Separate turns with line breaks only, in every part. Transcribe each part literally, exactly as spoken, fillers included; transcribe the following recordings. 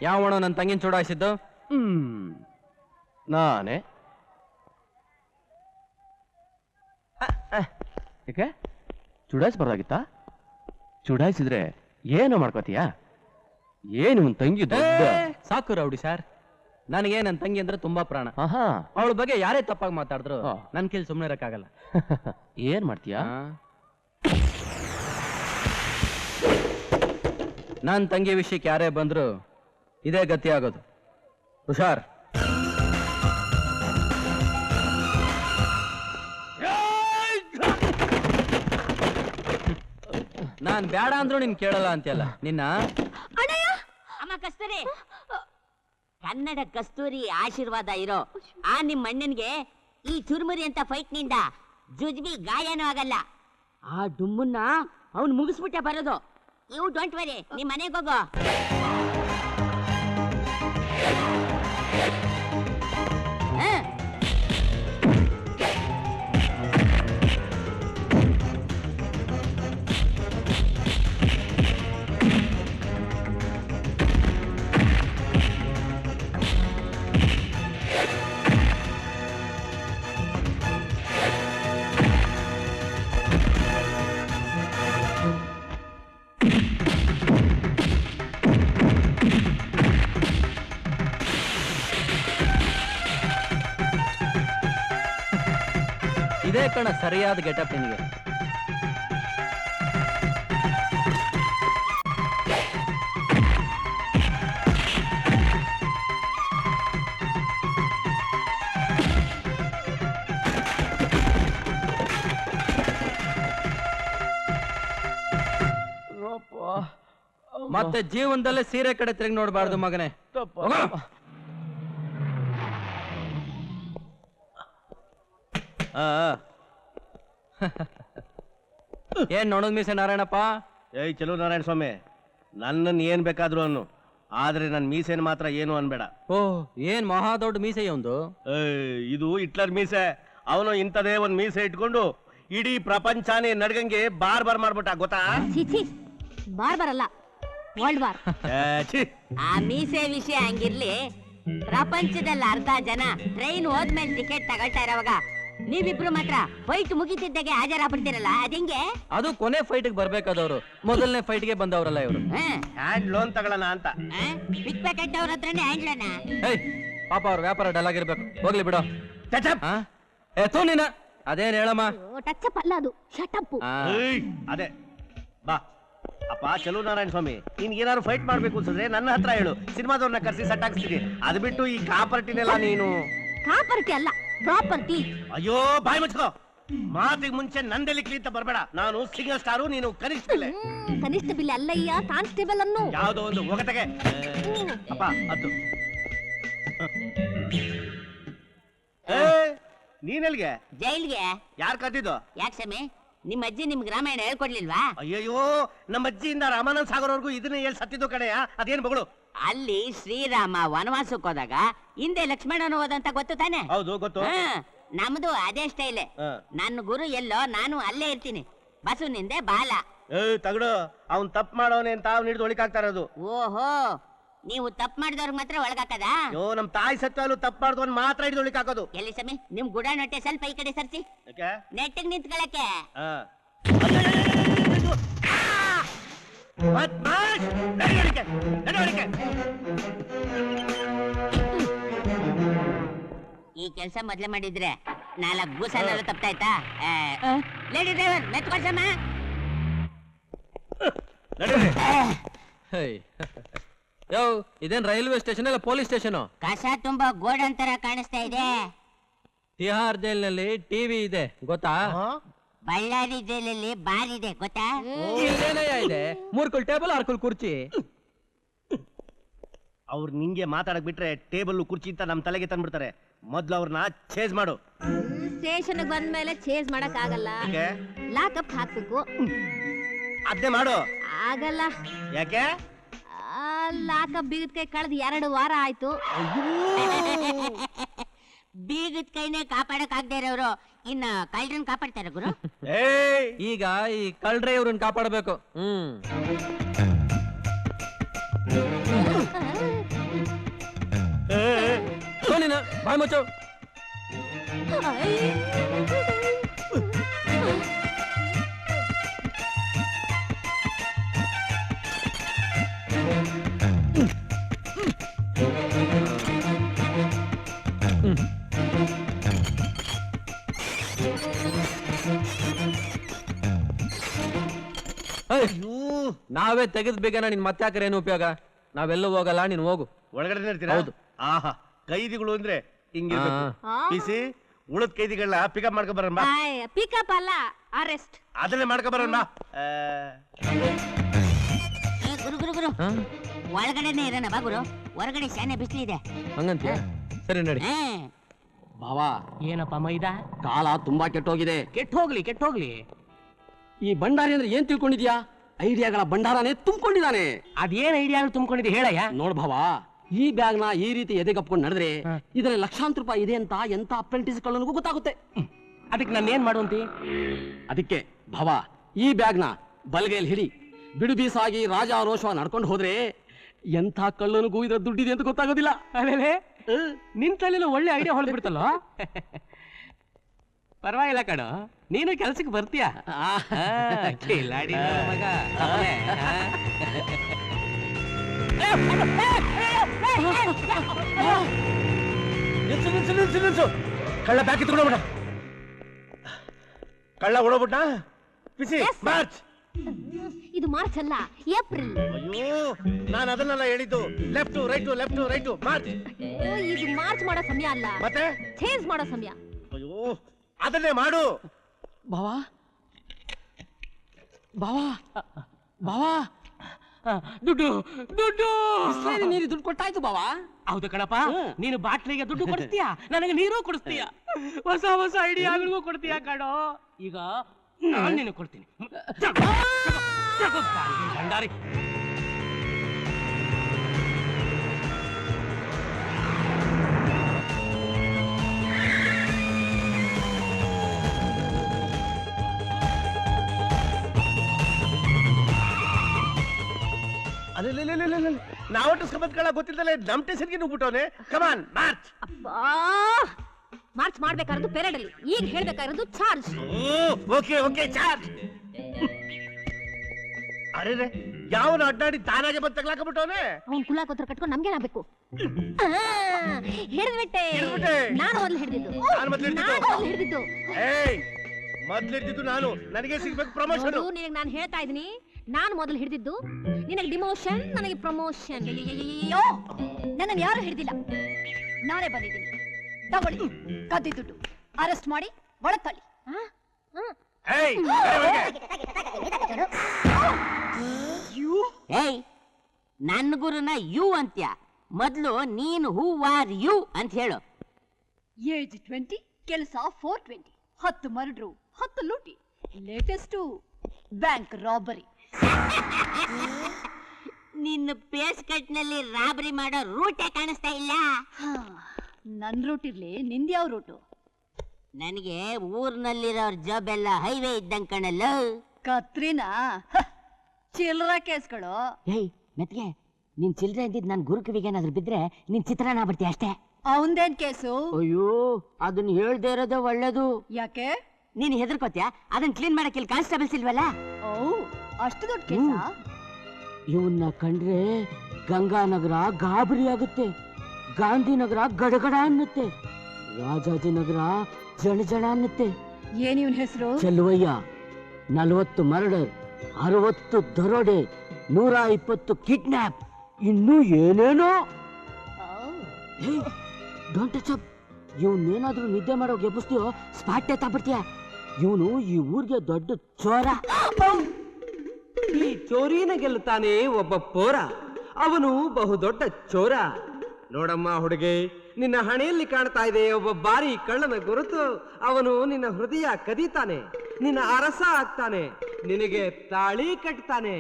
ಯಾವಣ ನನ್ನ ತಂಗಿನ ಚೂಡಾಯಿಸಿದ್ದು?
ಹ್ಮ್ ನಾನೇ. ಯಾಕೆ ಚುಡಾಯಿಸ್ಬಾರ್ದಾಗಿತ್ತಾ? ಚುಡಾಯಿಸಿದ್ರೆ ಏನೋ ಮಾಡ್ಕೋತೀಯಾ? ಏನು ನಿನ್ ತಂಗಿ ದೊಡ್ಡ.
ಸಾಕು ರೌಡಿ ಸರ್, ನನಗೆ ನನ್ನ ತಂಗಿ ಅಂದ್ರೆ ತುಂಬಾ ಪ್ರಾಣ. ಅವಳ ಬಗ್ಗೆ ಯಾರೇ ತಪ್ಪಾಗಿ ಮಾತಾಡಿದ್ರು ನನ್ ಕೇಳಿ ಸುಮ್ಮನೆ ಇರಕ್ಕಾಗಲ್ಲ.
ಏನ್ ಮಾಡ್ತೀಯಾ?
ನನ್ನ ತಂಗಿ ವಿಷಯಕ್ಕೆ ಯಾರೇ ಬಂದ್ರು ಇದೇ ಗತಿ ಆಗೋದು. ಹುಷಾರ್. ನಾನ್ ಬೇಡ ಅಂದ್ರು ನಿನ್ ಕೇಳಲ್ಲ ಅಂತೆಲ್ಲ ನಿನ್ನ.
ಅಮ್ಮ ಕಸ್ತೂರಿ, ಕನ್ನಡ ಕಸ್ತೂರಿ ಆಶೀರ್ವಾದ ಇರೋ ಆ ನಿಮ್ ಅಣ್ಣನ್ಗೆ ಈ ಚುರುಮುರಿ ಅಂತ ಫೈಟ್ ನಿಂದ ಜುಜ್ಬಿ ಗಾಯನೂ ಆಗಲ್ಲ. ಆ ಡುಮ್ಮನ್ನ ಅವ್ನು ಮುಗಿಸ್ಬಿಟ್ಟೆ ಬರೋದು. ಯು ಡೋಂಟ್ ವರಿ, ನಿಮ್ ಮನೆಗೆ ಹೋಗೋ.
ಇದೇ ಕಣ ಸರಿಯಾದ ಗೆಟಪ್ ನಿನಗೆ. ಮತ್ತೆ ಜೀವನದಲ್ಲೇ ಸೀರೆ ಕಡೆ ತಿರುಗಿ ನೋಡ್ಬಾರ್ದು ಮಗನೇ. ಏನ್ ನೋಡೋದ್ ಮೀಸೆ ನಾರಾಯಣಪ್ಪ?
ಏಯ್ ಚಲೋ ನಾರಾಯಣ ಸ್ವಾಮಿ, ನನ್ನನ್ನು ಏನ್ ಬೇಕಾದ್ರು ಅನ್ನು, ಆದ್ರೆ ನನ್ ಮೀಸೆನ್ ಮಾತ್ರ ಏನು ಅನ್ಬೇಡ.
ಓ, ಏನ್ ಮಹಾ ದೊಡ್ಡ ಮೀಸೆ ಒಂದು.
ಇದು ಹಿಟ್ಲರ್ ಮೀಸೆ. ಅವನು ಇಂಥದೇ ಒಂದ್ ಮೀಸೆ ಇಟ್ಕೊಂಡು ಇಡೀ ಪ್ರಪಂಚನೇ ನಡ್ಗಂಗೆ ಬಾರ್ ಬಾರ್ ಮಾಡ್ಬಿಟ್ಟ, ಗೊತ್ತಾ?
ಬಾರ್ ಬರಲ್ಲ, ವರ್ಲ್ಡ್ ವಾರ್. ಆ ಮೀಸೆ ವಿಷಯ ಹಂಗಿರ್ಲಿ, ಪ್ರಪಂಚದಲ್ಲಿ ಅರ್ಧ ಜನ ಟ್ರೈನ್ ಹೋದ್ಮೇಲೆ ಟಿಕೆಟ್ ತಗೊಳ್ತಾ ಇರೋವಾಗ ನೀವಿಬ್ರು ಮಾತ್ರ ಫೈಟ್ ಮುಗಿತಿದ್ದಾಗೆ ಹಾಜರಾಗ್ಬಿಡ್ತೀರಲ್ಲ, ಅದಿಂಗೆ?
ಅದು ಕೊನೆ ಫೈಟ್ ಬರ್ಬೇಕಾದವ್ರು, ಮೊದಲನೇ ಫೈಟ್ ಗೆ ಬಂದವರಲ್ಲ ಇವರು.
ಹ್ಯಾಂಡ್ ಲೋನ್ ತಗೊಳ್ಳೋಣ ಅಂತ.
ಪಿಕ್ ಪ್ಯಾಕೆಟ್ ಅವ್ರ ಹತ್ರನೇ ಹ್ಯಾಂಡ್ ಲೋನ್.
ಏಯ್ ಪಾಪ ಅವ್ರ ವ್ಯಾಪಾರ ಡಲ್ ಆಗಿರ್ಬೇಕು, ಹೋಗ್ಲಿ ಬಿಡು. ಎತ್ತು ನೀನ ಅದೇನ್ ಹೇಳಮ್ಮ?
ಟಚ್ ಅಲ್ಲ ಅದು, ಶಟ್ ಅಪ್.
ಅದೇ ಬಾ ಅಪ್ಪ ಚಲೋ ನಾರಾಯಣ ಸ್ವಾಮಿ, ನೀನ್ ಏನಾದ್ರು ಫೈಟ್ ಮಾಡ್ಬೇಕು ಅನ್ಸಿದ್ರೆ ನನ್ನ ಹತ್ರ ಹೇಳು, ಸಿನಿಮಾದವ್ರನ್ನ ಕರ್ಸಿ ಸಟ್ ಹಾಕ್ಸ್ತೀನಿ. ಅದು ಬಿಟ್ಟು ಈ ಕಾಪರ್ಟಿನೆಲ್ಲ ನೀನು.
ಕಾಪರ್ಟಿ ಅಲ್ಲ, ಪ್ರಾಪರ್ಟಿ.
ಅಯ್ಯೋ ಬಾಯ್ ಮುಚ್ಕೋ, ಮಾತಿಗೆ ಮುಂಚೆ ನಂದೆಲ್ಲಿ ಕ್ಲೀಂತ ಬರ್ಬೇಡ. ನಾನು ಸಿಂಗಲ್ ಸ್ಟಾರು, ನೀನು ಕನಿಷ್ಠ ಬಿಲ್ಲೆ.
ಕನಿಷ್ಠ ಬಿಲ್ಲೆ ಅಲ್ಲಯ್ಯ, ಕಾನ್ಸ್ಟೇಬಲ್ ಅನ್ನು.
ಯಾವ್ದೋ ಒಂದು ಒಗಟಗೆ. ಅಪ್ಪ ಅದು ನೀನೆಲ್ಗೆ?
ಜೈಲ್ಗೆ.
ಯಾರ್ ಕದ್ದಿದ್ದು?
ಯಾಕೆ ಸಮಿ, ನಿಮ್ಮ ಅಜ್ಜಿ ನಿಮ್ಗೆ ರಾಮಾಯಣ ಹೇಳ್ಕೊಡ್ಲಿಲ್ವಾ?
ಅಯ್ಯಯ್ಯೋ, ನಮ್ಮ ಅಜ್ಜಿಯಿಂದ ರಾಮಾನಂದ ಸಾಗರವರೆಗೂ ಇದನ್ನ ಹೇಳಿ ಸತ್ತಿದ್ದು ಕಡೆಯ, ಅದೇನ್ ಮಗಳು?
ಅಲ್ಲಿ ಶ್ರೀರಾಮ ವನವಾಸಕ್ಕೆ ಹೋದಾಗ ಹಿಂದೆ ಲಕ್ಷ್ಮಣನ ಹೋದಂತ ಗೊತ್ತು ತಾನೆ?
ಹೌದು ಗೊತ್ತು.
ನಮ್ದು ಅದೇ ಸ್ಟೈಲೆ. ನನ್ನ ಗುರು ಎಲ್ಲೋ, ನಾನು ಅಲ್ಲೇ ಇರ್ತೀನಿ. ಬಸವನಿಂದೆ ಬಾಲ.
ಏ ತಗಡು, ಅವ್ನ್ ತಪ್ಪು ಮಾಡೋನೆ ಅಂತ ಅವ್ನು ಹಿಡಿದು ಒಳಿಕಾಗ್ತಾ ಇರೋದು.
ಓಹೋ, ನೀವು ತಪ್ಪು ಮಾಡಿದವ್ರಿಗೆ ಮಾತ್ರ ಒಳಗಾಕದ?
ಅಯ್ಯೋ, ನಮ್ ತಾಯಿ ಸತ್ವಾಲು ತಪ್ಪು ಮಾಡಿದವನ್ ಮಾತ್ರ ಹಿಡಿದು ಒಳಿಕಾಕೋದು.
ಎಲ್ಲಿ ಸಮಿ, ನಿಮ್ ಗುಡ ನೊಟ್ಟೆ ಸ್ವಲ್ಪ ಈ ಕಡೆ ಸರ್ಸಿ. ನೆಟ್ಟಿಗೆ ನಿಂತ್ಕೊಳಕ್ಕೆ. ಈ ಕೆಲಸ ಮೊದ್ಲೇ ಮಾಡಿದ್ರೆ ನಾಲ್ಕು ಗೂಸನೆಲ್ಲ ತಪ್ಪಾಯ್ತಾ? ಲೇಡಿ ಡ್ರೈವರ್ ಮೆತ್ಕೊಳ್ಸಮ್ಮ.
ಯೋ, ಇದೇನ್ ರೈಲ್ವೆ ಸ್ಟೇಷನ್ ಅಲ್ಲ ಪೊಲೀಸ್ ಸ್ಟೇಷನ್?
ಕಸ ತುಂಬಾ ಗೋಡನ್ ತರ ಕಾಣಿಸ್ತಾ ಇದೆ.
ತಿಹಾರ್ ಜೈಲಿನಲ್ಲಿ ಟಿವಿ ಇದೆ ಗೊತ್ತಾ?
ಬಳ್ಳಾರಿ ಜೈಲಲ್ಲಿ ಬಾರ್ ಇದೆ ಗೊತ್ತಾ?
ಇದೆ ಮೂರ್ಕುಲ್ ಟೇಬಲ್, ಆರ್ಕುಲ್ ಕುರ್ಚಿ.
ಅವ್ರು ನಿಂಗೆ ಮಾತಾಡಕ್ ಬಿಟ್ರೆ ಟೇಬಲ್ ಕುರ್ಚಿ ಅಂತ ನಮ್ ತಲೆಗೆ ತಂದ್ಬಿಡ್ತಾರೆ. ಮೊದ್ಲು ಅವ್ರನ್ನ ಚೇಂಜ್ ಮಾಡು.
ಸ್ಟೇಷನ್ ಬಂದ್ಮೇಲೆ ಚೇಂಜ್ ಮಾಡಕ್ ಆಗಲ್ಲ, ಲಾಕಪ್ ಹಾಕ್ಬೇಕು.
ಅದೇ ಮಾಡು.
ಆಗಲ್ಲ.
ಯಾಕೆ?
ಲಾಕಪ್ ಬೀಗದ ಕೈ ಕಳೆದ ಎರಡು ವಾರ ಆಯ್ತು. ಬೀಗದ ಕೈನೇ ಕಾಪಾಡಕ್ ಆಗದೆ ಇರೋರು ಇನ್ನ ಕಳ್ಳರನ್ನ ಕಾಪಾಡ್ತಾರ ಗುರು.
ಈಗ ಈ ಕಳ್ಳರೇ ಇವ್ರನ್ನ ಕಾಪಾಡಬೇಕು. ಹ್ಮ್ ನೀನು ಬಾಯ್ ಮುಚ್ಚು. ನಾವೇ ತೆಗೆದ್ ಬೇಕನ ನಿನ್ ಮತ್ತೆ ಹಾಕ್ರೆ ಏನು ಉಪಯೋಗ? ನಾವೆಲ್ಲೂ ಹೋಗಲ್ಲ, ನೀನ್ ಹೋಗು.
ಒಳಗಡೆ ಇರ್ತೀರಾ?
ಹೌದು.
ಆಹಾ, ಕೈದಿಗಳು ಅಂದ್ರೆ ಹಿಂಗಿರ್ಬೇಕು. ಪಿಸಿ ಉಳದ್ ಕೈದಿಗಳನ್ನ ಪಿಕಪ್ ಮಾಡ್ಕೊ ಬರೋಣ ಬಾ.
ಪಿಕಪ್ ಅಲ್ಲ, ಅರೆಸ್ಟ್.
ಅದನ್ನೇ ಮಾಡ್ಕೊ ಬರೋಣ ಬಾ.
ಏ, ಗುರು ಗುರು ಗುರು ಒಳಗಡೆನೆ ಇರೋಣ ಬಾ ಗುರು. ಹೊರಗಡೆ ಶಾನೆ ಬಿಸಿಲಿದೆ.
ಹಂಗಂತೀಯ? ಸರಿ ನಡಿ.
ಹೇ
ಭಾವಾ,
ಏನಪ್ಪ ಮೈದಾ?
ಕಾಲ ತುಂಬಾ ಕೆಟ್ಟೋಗಿದೆ.
ಕೆಟ್ಟ ಹೋಗ್ಲಿ ಕೆಟ್ಟ ಹೋಗ್ಲಿ.
ಈ ಭಂಡಾರಿ ಅಂದ್ರೆ ಏನ್ ತಿಳ್ಕೊಂಡಿದ್ಯಾ? ಐಡಿಯಾಗಳ ಭಂಡಾರನೇ ತುಂಬಿಕೊಂಡಿದ್ದಾನೆ.
ಅದೇನ್ ಐಡಿಯಾ ತುಂಬಿಕೊಂಡಿದ್ದೆ ಹೇಳಯ್ಯ.
ನೋಡ್ ಭಾವ, ಈ ಬ್ಯಾಗ್ ನ ಈ ರೀತಿ ಎದೆಗಪ್ಕೊಂಡು ನಡೆದ್ರೆ ಇದರಲ್ಲಿ ಲಕ್ಷಾಂತರ ರೂಪಾಯಿ ಇದೆ ಅಂತ ಎಂತ ಅಪ್ರೆಂಟಿಸ್ ಗಳನಿಗೂ ಗೊತ್ತಾಗುತ್ತೆ.
ಅದಕ್ಕೆ ನಾನು ಏನ್ ಮಾಡುವಂತಿ?
ಅದಕ್ಕೆ ಭಾವ, ಈ ಬ್ಯಾಗ್ ನ ಬಲಗೈಲಿ ಹಿಡಿ. ಬಿಡು ಬೀಸಾಗಿ ರಾಜ ರೋಷ ನಡ್ಕೊಂಡು ಹೋದ್ರೆ ಎಂಥ ಕಳ್ಳನಿಗೂ ಇದ್ರ ದುಡ್ಡಿದೆ ಅಂತ ಗೊತ್ತಾಗೋದಿಲ್ಲ.
ಅದೇ ನಿನ್ ತಲೆಲ್ಲ ಒಳ್ಳೆ ಐಡಿಯಾ ಹೊಳ್ಬಿಡ್ತಲ್ಲ. ಪರವಾಗಿಲ್ಲ ಕಣೋ, ನೀನು ಕೆಲ್ಸಕ್ಕೆ ಬರ್ತೀಯ. ಕಿಲಾಡಿ ಮಗ.
ನಿಲ್ಸು ನಿಲ್ಸು ನಿಲ್ಸು ನಿಲ್ಸು. ಕಳ್ಳ ಬ್ಯಾಗ್ ಕಿತ್ಕೊಂಡೋಗ್ಬಿಟ್ಟ. ಕಳ್ಳ ಓಡೋಗ್ಬಿಟ್ಟ. PC march.
ಇದು ಮಾರ್ಚ್ ಅಲ್ಲ, ಏಪ್ರಿಲ್.
ಅಯ್ಯೋ, ನಾನು ಅದನ್ನೆಲ್ಲ ಹೇಳಿದ್ದು. Left right left right march.
ಇದು ಮಾರ್ಚ್ ಮಾಡೋ ಸಮಯ ಅಲ್ಲ,
ಮತ್ತೆ
ಚೇಂಜ್ ಮಾಡೋ ಸಮಯ.
ಅಯ್ಯೋ, ಅದನ್ನೇ ಮಾಡು.
ಭಾವಾ ಭಾವಾ ಭಾವಾ,
ದುಡ್ಡು ದುಡ್ಡು
ನೀರು ದುಡ್ಡು ಕೊಟ್ಟಾಯ್ತು ಭಾವಾ.
ಹೌದು ಕಣಪ್ಪ, ನೀನು ಬಾಟ್ಲಿಗೆ ದುಡ್ಡು ಕೊಡಿಸ್ತೀಯ, ನನಗೆ ನೀರು ಕೊಡಿಸ್ತೀಯ, ಹೊಸ ಹೊಸ ಐಡಿಯಾಗಳಿಗೂ ಕೊಡ್ತೀಯ ಕಣೋ. ಈಗ ನಾನು ನಿನಗೆ ಕೊಡ್ತೀನಿ. ಭಂಡಾರಿ
ಅಲ್ಲ, ನಾವು ಟಸ್ಕೊಂಬತ್ಕಳ ಗೊತ್ತಿದ್ದಲ್ಲ, ನಮ್ ಟೆನ್ಷನ್ಗೆ ನುಗ್ಬಿಟ್ಟವನೆ. Come on march.
ಅಬ್ಬಾ, ಮಾರ್ಚ್ ಮಾಡ್ಬೇಕಾಗಿರೋದು ಪೆರೇಡ್ ಅಲ್ಲಿ, ಈಗ ಹೇಳ್ಬೇಕಾಗಿರೋದು ಚಾರ್ಜ್.
Okay okay charge. ಅರೆ, ಯಾವನ ಅಡ್ಡಾಡಿ ತಾನಾಗೆ ಬಂದು ತಗ್ಲಾಕಬಿಟ್ಟವನೆ.
ಅವ್ನ್ ಕುಲಾಕೋತ್ರ ಕಟ್ಕೊಂಡು ನಮ್ಗೇನಾಗಬೇಕು? ಹಿಡಿದ್ಬಿಟ್ಟೆ.
ಹಿಡ್ದ್ಬಿಟ್ಟೆ.
ನಾನು ಮೊದಲು ಹಿಡಿದಿದ್ದು.
ನಾನ್ ಮೊದ್ಲು ಹಿಡ್ದಿದ್ದು.
ನಾನು ಮೊದಲು ಹಿಡಿದಿದ್ದು.
ಏಯ್, ಮೊದ್ಲಿಡ್ದಿದ್ದು ನಾನು, ನನಗೆ ಸಿಗ್ಬೇಕು ಪ್ರಮೋಷನ್.
ನೋಡು, ನಿನಗೆ ನಾನು ಹೇಳ್ತಾ ಇದೀನಿ, ನಾನು ಮೊದಲು ಹಿಡಿದಿದ್ದು, ನಿನಗೆ ಡಿಮೋಷನ್, ನನಗೆ ಪ್ರಮೋಷನ್. ಅಯ್ಯೋ, ನನ್ನನ್ನು ಯಾರು ಹಿಡಿದಿಲ್ಲ, ನಾನೇ ಬಂದಿದ್ದೀನಿ. ತಗೊಳ್ಳಿ ಕದ್ದಿ ದುಡ್ಡು, ಅರೆಸ್ಟ್ ಮಾಡಿ ಒಳತಳ್ಳಿ.
ಏಯ್,
ಏಯ್, ನನ್ನ ಗುರುನ ಯು ಅಂತ್ಯ. ಮೊದ್ಲು ನೀನು ಹೂ ಆರ್ ಯು ಅಂತ ಹೇಳು.
ಏಜ್ ಟ್ವೆಂಟಿ, ಕೆಲಸ ಫೋರ್ ಟ್ವೆಂಟಿ, ಹತ್ತು ಮರ್ಡ್ರು, ಹತ್ತು ಲೂಟಿ, ಲೇಟೆಸ್ಟು ಬ್ಯಾಂಕ್ ರಾಬರಿ.
ನಿನ್ನ ಪೇಸ್ ಕಟ್ನಲ್ಲಿ ರಾಬರಿ ಮಾಡೋ ರೂಟೇ ಕಾಣಿಸ್ತಾ ಇಲ್ಲ.
ನನ್ ರೂಟ್ ಇರ್ಲಿ, ನಿಂದ್ಯಾವ ರೂಟು?
ನನಗೆ ಊರ್ನಲ್ಲಿರೋರ್ ಜಾಬ್ ಎಲ್ಲ ಹೈವೇ ಇದ್ದಂಗ್ ಕಣಲ್ಲ.
ಕತ್ರಿನಾ ಚಿಲ್ಲರ ಕೇಸ್ಗಳು.
ಏಯ್ ಮೆತ್ಗೆ, ನಿನ್ ಚಿಲ್ಡ್ರೆ ಇದ್ದಿದ್ ನನ್ ಗುರು ಕಿವಿಗೆ ಏನಾದ್ರು ಬಿದ್ರೆ ನಿನ್ ಚಿತ್ರಾನ್ನ ಬಿಡ್ತೀಯ ಅಷ್ಟೇ.
ಅವಂದೇನ್ ಕೇಸು?
ಅಯ್ಯೋ, ಅದನ್ನ ಹೇಳ್ದೇ ಇರೋದೇ ಒಳ್ಳೇದು.
ಯಾಕೆ?
ನೀನ್ ಹೆದರ್ಕೋತ್ಯಾ? ಅದನ್ನ ಕ್ಲೀನ್ ಮಾಡಕ್ಕೆ ಇಲ್ಲಿ ಕಾನ್ಸ್ಟೇಬಲ್ಸ್ ಇಲ್ವಲ್ಲ?
ಓ, ಅಷ್ಟು ದೊಡ್ಡ ಕೇಸ?
ಇವನ್ನ ಕಂಡ್ರೆ ಗಂಗಾನಗರ ಗಾಬರಿ ಆಗುತ್ತೆ, ಗಾಂಧಿನಗರ ಗಡಗಡ ಅನ್ನುತ್ತೆ, ರಾಜಾಜಿನಗರ ಜಣ ಜಣ ಅನ್ನುತ್ತೆ.
ಏನ್ ಇವನ್ ಹೆಸರು?
ಚೆಲುವಯ್ಯ. ನಲವತ್ತು ಮರ್ಡರ್, ಅರವತ್ತು ದರೋಡೆ, ನೂರ ಇಪ್ಪತ್ತು ಕಿಡ್ನಾಪ್, ಇನ್ನೂ ಏನೇನೋ. Don't touch up. ಇವನ್ನೇನಾದ್ರೂ ನಿದ್ದೆ ಮಾಡೋ ಗೆಬ್ಬಿಸ್ತೀಯೋ ಸ್ಪಾಟ್ ಎತ್ತಾಬಿಡ್ತೀಯ. ಇವನು ಈ ಊರಿಗೆ ದೊಡ್ಡ ಚೋರ.
ಈ ಚೋರಿನ ಗೆಲ್ಲುತ್ತಾನೆ ಒಬ್ಬ ಪೋರ, ಅವನು ಬಹುದೊಡ್ಡ ಚೋರ. ನೋಡಮ್ಮ ಹುಡುಗಿ, ನಿನ್ನ ಹಣೆಯಲ್ಲಿ ಕಾಣ್ತಾ ಇದೆ ಒಬ್ಬ ಬಾರಿ ಕಳ್ಳನ ಗುರುತು. ಅವನು ನಿನ್ನ ಹೃದಯ ಕದೀತಾನೆ, ನಿನ್ನ ಅರಸ ಆಗ್ತಾನೆ, ನಿನಗೆ ತಾಳಿ ಕಟ್ತಾನೆ.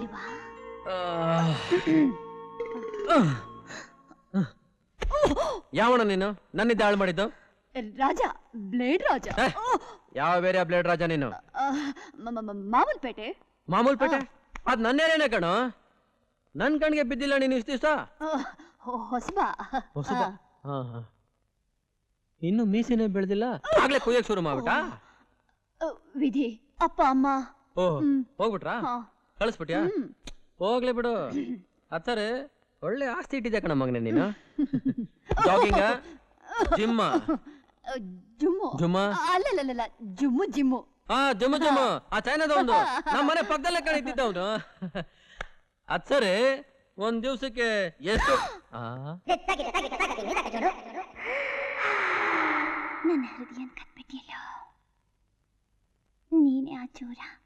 ಚೆಲುವಾ,
ಯಾವಣ ನೀನು ನನ್ನಿದ್ದ ಹಾಳು ಮಾಡಿದ್ದು
ರಾಜ ಬ್ಲೇಡ್ ರಾಜ
ಏ, ಯಾವ ಬೇರೆ ಬ್ಲೇಡ್ ರಾಜ ನೀನು
ಮಾಮೂಲ್ಪೇಟೆ
ಮಾಮೂಲ್ ಪೇಟೆ ಅದ್ ನನ್ನೇನೇನೆ ಕಣೋ ನನ್ ಕಣ್ಗೆ ಬಿದ್ದಿಲ್ಲ ನೀನು ಇಷ್ಟು ದಿವಸ
ಹೊಸಬಾ
ಹೊಸಬ ಹಾ ಹಾ ಇನ್ನು ಮೀಸಿನೇ ಬೆಳೆದಿಲ್ಲ ಆಗ್ಲೇ ಕುಯ್ಯಕ್ ಶುರು ಮಾಡ್ಬಿಟ್ಟಾ
ವಿಧಿ ಅಪ್ಪ ಅಮ್ಮ
ಓ ಹೋಗ್ಬಿಟ್ರಾ
ಹಾ.
ಕಳಿಸ್ಬಿಟ್ಯಾ ಹೋಗ್ಲಿ ಬಿಡು ಅತ್ತರೆ ಒಳ್ಳೆ ಆಸ್ತಿ ಇಟ್ಟಿದ್ಯಾ ಕಣ ಮಗನೇ ನೀನು ಜಾಗಿಂಗ ಜಿಮ್ಮ
ಜುಮ್ಮು
ಜುಮ್ಮ
ಅಲ್ಲಲ್ಲ ಜುಮ್ಮು ಜಿಮ್ಮು
ಹಾ ಜುಮ್ಮು ಜುಮ್ಮು ಆ ಚೈನಾದ ಒಂದು ನಮ್ಮ ಮನೆ ಪಕ್ಕದಲ್ಲೇ ಕಣೀತಿದ್ದ ಅವನು ಅದ್ ಸರಿ ಒಂದ್ ದಿವ್ಸಕ್ಕೆ ಎಷ್ಟು ಆ
ನನ್ನ ಹೃದಯ ಕದ್ಬಿಟ್ಟಿಯಲ್ಲ ನೀನೇ ಆ ಚೋರ